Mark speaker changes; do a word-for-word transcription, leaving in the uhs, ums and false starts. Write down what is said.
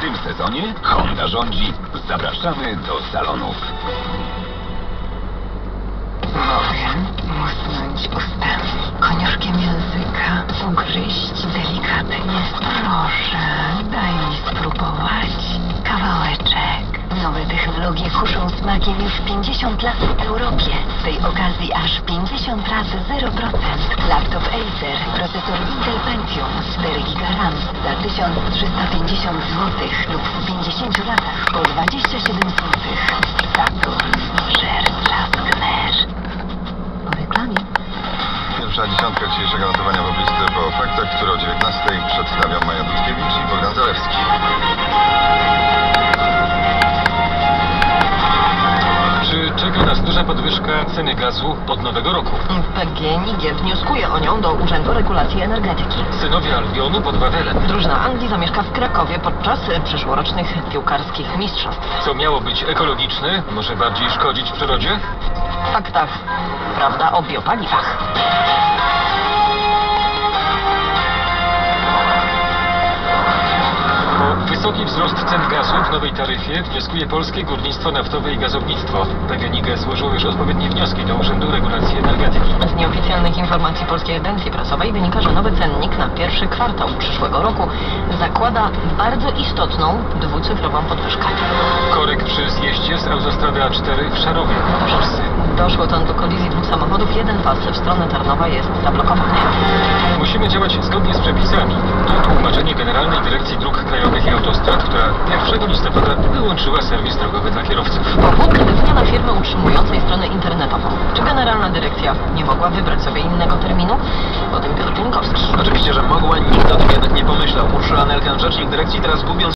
Speaker 1: tym sezonie Honda rządzi. Zapraszamy do salonów.
Speaker 2: Mogę musnąć ustami, koniuszkiem języka, ugryźć delikatnie. Proszę, daj mi spróbować. Kawałeczek. Nowe technologie kuszą smakiem już pięćdziesiąt lat w Europie. Z tej okazji aż pięćdziesiąt razy zero procent. Laptop Acer, procesor Intel Pentium, cztery giga RAM za tysiąc trzysta pięćdziesiąt złotych lub w pięćdziesięciu latach po dwadzieścia siedem złotych. Saturn, żer, traskner. Po reklamie.
Speaker 3: Pierwsza dziesiątka dzisiejszego notowania poblisty po faktach, które o dziewiętnastej przedstawią Maja Dudkiewicz i Bogdan Zalewski.
Speaker 4: Czy czeka nas duża podwyżka ceny gazu od nowego roku?
Speaker 5: P G N I G wnioskuje o nią do Urzędu Regulacji Energetyki.
Speaker 4: Synowie Albionu pod Wawelem.
Speaker 5: Drużyna Anglii zamieszka w Krakowie podczas przyszłorocznych piłkarskich mistrzostw.
Speaker 4: Co miało być ekologiczne, może bardziej szkodzić przyrodzie?
Speaker 5: W faktach prawda o biopaliwach.
Speaker 4: Wysoki wzrost cen gazu w nowej taryfie wnioskuje Polskie Górnictwo Naftowe i Gazownictwo. P G N I G złożyło już odpowiednie wnioski do Urzędu Regulacji Energetyki.
Speaker 5: Z nieoficjalnych informacji Polskiej Agencji Prasowej wynika, że nowy cennik na pierwszy kwartał przyszłego roku zakłada bardzo istotną, dwucyfrową podwyżkę.
Speaker 4: Korek przy zjeździe z autostrady A cztery w Szarowie w Polsce.
Speaker 5: Doszło tam do kolizji dwóch samochodów, jeden pas w stronę Tarnowa jest zablokowany.
Speaker 4: Musimy działać zgodnie z przepisami. To tłumaczenie Generalnej Dyrekcji Dróg Krajowych i Autostrad, która pierwszego listopada wyłączyła serwis drogowy dla kierowców.
Speaker 5: Powód zmiana firmy utrzymującej stronę internetową. Czy Generalna Dyrekcja nie mogła wybrać sobie innego terminu? O tym Piotr Pienkowski.
Speaker 6: Oczywiście, że mogła, nikt o tym jednak nie pomyślał. Urszula Nelken, rzecznik dyrekcji, teraz gubiąc